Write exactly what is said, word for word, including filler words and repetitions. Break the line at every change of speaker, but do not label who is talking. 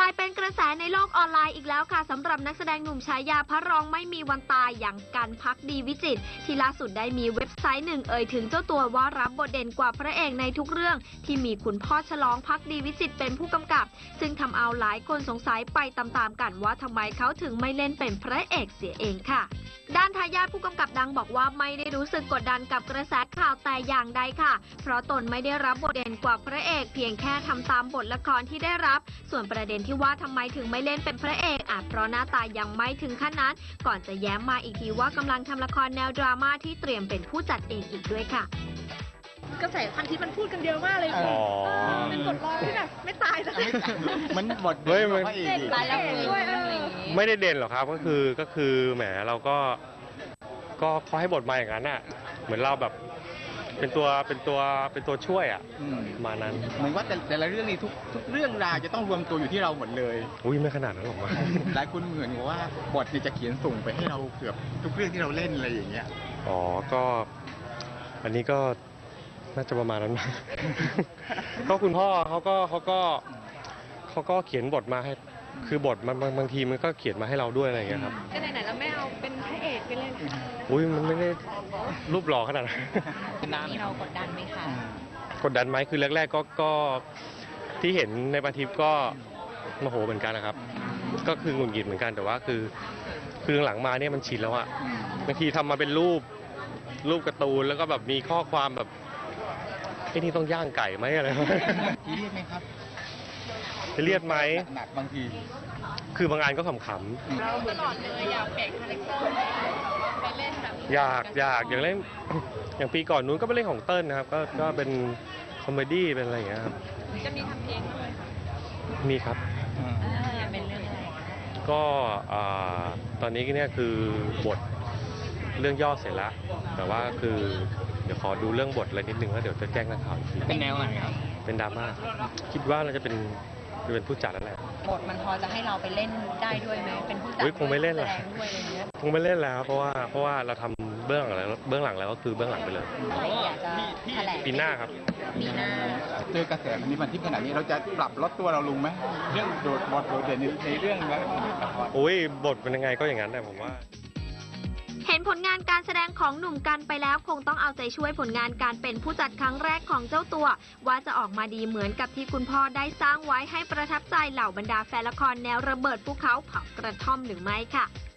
ลายเป็นกระแสในโลกออนไลน์อีกแล้วค่ะสำหรับนักแสดงหนุ่มฉายาพระรองไม่มีวันตายอย่างกันภักดีวิจิตรที่ล่าสุดได้มีเว็บไซต์หนึ่งเอ่ยถึงเจ้าตัวว่ารับบทเด่นกว่าพระเอกในทุกเรื่องที่มีคุณพ่อฉลองภักดีวิจิตรเป็นผู้กำกับซึ่งทำเอาหลายคนสงสัยไปตามๆกันว่าทำไมเขาถึงไม่เล่นเป็นพระเอกเสียเองค่ะด้านทายาทผู้กำกับดังบอกว่าไม่ได้รู้สึกกดดันกับกระแสข่าวแต่อย่างใดค่ะเพราะตนไม่ได้รับบทเด่นกว่าพระเอกเพียงแค่ทำตามบทละครที่ได้รับส่วนประเด็นที่ว่าทำไมถึงไม่เล่นเป็นพระเอกอาจเพราะหน้าตายังไม่ถึงขั้นนั้นก่อนจะแย้มมาอีกทีว่ากำลังทำละครแนวดราม่าที่เตรียมเป็นผู้จัดเองอีกด้วยค่ะ
กระแสพันทิปมันพูดกันเยอะมากเลย
อ๋อ
เป็นบทรองที่แบบไม่ตายสักที
มันบท
เฮ้ยมัน
เอกอีก
ตายแล้วด้วยเออ
ไม่ได้เด่นหรอกครับก็คือก็คือแหมเราก็ก็เขาให้บทมาอย่างนั้นอ่ะเหมือนเราแบบเป็นตัวเป็นตัวเป็นตัวช่วยอ่ะ
อืม
ประมาณนั้น
เหมือนว่าแต่แต่ละเรื่องนี้ทุกทุกเรื่องราวจะต้องรวมตัวอยู่ที่เราหมดเลย
อุ้ยไม่ขนาดนั้นหรอกมั้ง
หลายคนเหมือนกับว่าบทเนี่ยจะเขียนส่งไปให้เราเกือบทุกเรื่องที่เราเล่นอะไรอย่างเงี้ย
อ๋อก็อันนี้ก็น่าจะประมาณนั้นมั้ง ก็คุณพ่อเขาก็เขาก็เขาก็เขียนบทมาให้คือบทมันบางบางทีมันก็เขียนมาให้เราด้วยอะไรอย่างเงี้ยครับ
ก็ไหนๆเราไม่เอาเป็นพระเอกไปเลย
อุ้ยมันไม่ได้รูปหล่อขนาดนั้น
นี่เรากดดันไหมคะ
กดดันไหมคือแรกๆก็ก็ที่เห็นในปาทิปก็โมโหเหมือนกันนะครับ ก็คือหงุดหงิดเหมือนกันแต่ว่าคือคือหลังมาเนี่ยมันชินแล้วอะ
อืม
บางทีทำมาเป็นรูปรูปการ์ตูนแล้วก็แบบมีข้อความแบบไอ้นี่ต้องย่างไก่ไหมอะไร
ทีเรียกไหมครับ
จะเรียกไหม
หนักๆบางที
คือบางอันก็ขำ
เราตลอดเลยอยากเปลี่ยนคาแรคเตอร์ไปเล่นแบบ
ๆอยากอยากอย่างเล่น อย่างปีก่อนนู้นก็ไปเล่นของเติ้ลนะครับก็ก็เป็นคอมเมดี้เป็นอะไรอย่างเงี้ยครับ
จะมีทำเพลงบ้างไหมคะ
มีครับ
อืม
อยากเป็นเรื่องอะไร
ก็อ่าตอนนี้เนี่ยคือบทเรื่องย่อเสร็จแล้ว แต่ว่าคือเดี๋ยวขอดูเรื่องบทอะไรนิดนึงแล้วเดี๋ยวจะแจ้งนักข่าวอีกที
เป็นแนวไหนครับ
เป็นดราม่าคิดว่าเราจะเป็นจะเป็นผู้จัดแล้วแหละ
บทมันพอจะให้เราไปเล่นได้ด้วยไหมเป็นผู้จัด
อุ๊ยคงไม่เล่นหรอก
แสดงด้วยอะไรเงี้ย
คงไม่เล่นแล้วเพราะว่าเพราะว่าเราทำเบื้องหลังแล้วเบื้องหลังแล้วก็คือเบื้องหลังไปเลย
อะไรอยากจะแถลง
ปีหน้าครับ
ปีหน้า
เจอกระแสมันนี้มันที่ขนาดนี้เราจะปรับลดตัวเราลงไหมเรื่องโดดบทโดดเด่นในในเรื่องแล้วละคร
อุ้ยบทเป็นยังไงก็อย่างนั้นแหละผมว่า
เห็นผลงานการแสดงของหนุ่มกันไปแล้วคงต้องเอาใจช่วยผลงานการเป็นผู้จัดครั้งแรกของเจ้าตัว ว่าจะออกมาดีเหมือนกับที่คุณพ่อได้สร้างไว้ให้ประทับใจเหล่าบรรดาแฟนละครแนวระเบิดภูเขาเผากระท่อมหรือไม่ค่ะ